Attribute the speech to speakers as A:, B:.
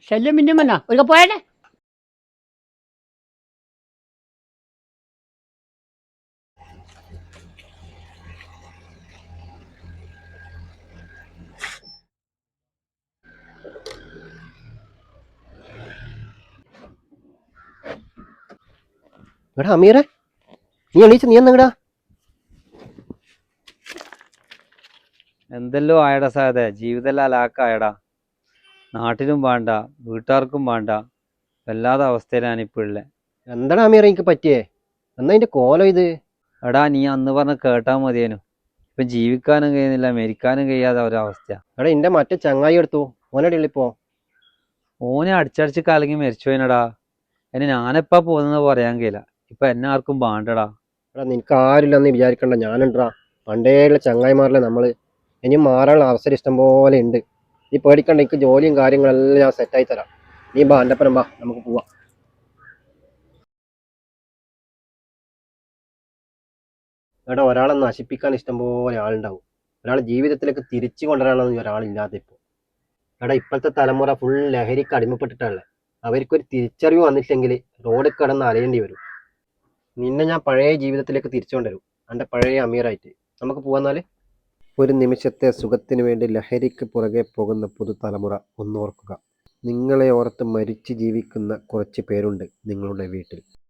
A: ശല്യം പിന്നെയും വന്നാ ഒരു പോയല്ലേ.
B: എടാ അമീറെ, നീ എണീച്ച, നീ എന്നങ്ങടാ?
C: എന്തെല്ലോ ആയടാ സാധേ, ജീവിതമെല്ലാം അലാക്കായടാ. നാട്ടിലും വേണ്ട, വീട്ടുകാർക്കും വേണ്ട, വല്ലാത്ത അവസ്ഥയിലാണ് ഇപ്പോൾ ഉള്ളത്.
B: എന്താടാ അമീറെ എനിക്ക് പറ്റിയേ? എന്നാ അതിന്റെ കോലം ഇത്?
C: എടാ നീ അന്ന് പറഞ്ഞ് കേട്ടാൽ മതിയേനു. ഇപ്പം ജീവിക്കാനും കഴിയുന്നില്ല, മരിക്കാനും കഴിയാത്ത ഒരവസ്ഥ.
B: എടാ എന്റെ മറ്റേ ചങ്ങായി എടുത്തു, ഓനടി ഉള്ളിപ്പോ?
C: ഓനെ അടിച്ചടിച്ച് കലങ്ങി മരിച്ചു പോയിനടാ. എന്നെ ഞാനെപ്പാ പോകുന്നത് പറയാൻ കഴിയില്ല. ഇപ്പം എന്നെ ആർക്കും വേണ്ടടാ.
B: എടാ നിനക്ക് ആരില്ലെന്ന് വിചാരിക്കണ്ട, ഞാനുണ്ടാ. പണ്ടേയുള്ള ചങ്ങായിമാരിലെ നമ്മള്. ഇനിയും മാറാനുള്ള അവസരം ഇഷ്ടം പോലെ ഉണ്ട്. നീ പേടിക്കണ്ട, എനിക്ക് ജോലിയും കാര്യങ്ങളെല്ലാം ഞാൻ സെറ്റായി തരാം. നീ ബാ, എൻ്റെ ഒപ്പം ബാ, നമുക്ക് പോവാം. എടാ ഒരാളെ നശിപ്പിക്കാൻ ഇഷ്ടം പോലെ ആളുണ്ടാവും. ഒരാളെ ജീവിതത്തിലേക്ക് തിരിച്ചു കൊണ്ടുവരാനൊന്നും ഒരാളില്ലാതെ ഇപ്പോൾ. എടാ ഇപ്പോഴത്തെ തലമുറ ഫുൾ ലഹരിക്ക് അടിമപ്പെട്ടിട്ടുള്ളത്. അവർക്കൊരു തിരിച്ചറിവ് വന്നിട്ടില്ലെങ്കിൽ റോഡിൽ കിടന്ന് അലയേണ്ടി വരും. നിന്നെ ഞാൻ പഴയ ജീവിതത്തിലേക്ക് തിരിച്ചു കൊണ്ടുവരും, എൻ്റെ പഴയ അമീറായിട്ട്. നമുക്ക് പോവാന്നാല്. ഒരു നിമിഷത്തെ സുഖത്തിനു വേണ്ടി ലഹരിക്ക് പുറകെ പോകുന്ന പുതുതലമുറ ഒന്നോർക്കുക. നിങ്ങളെ ഓർത്ത് മരിച്ച് ജീവിക്കുന്ന കുറച്ച് പേരുണ്ട് നിങ്ങളുടെ വീട്ടിൽ.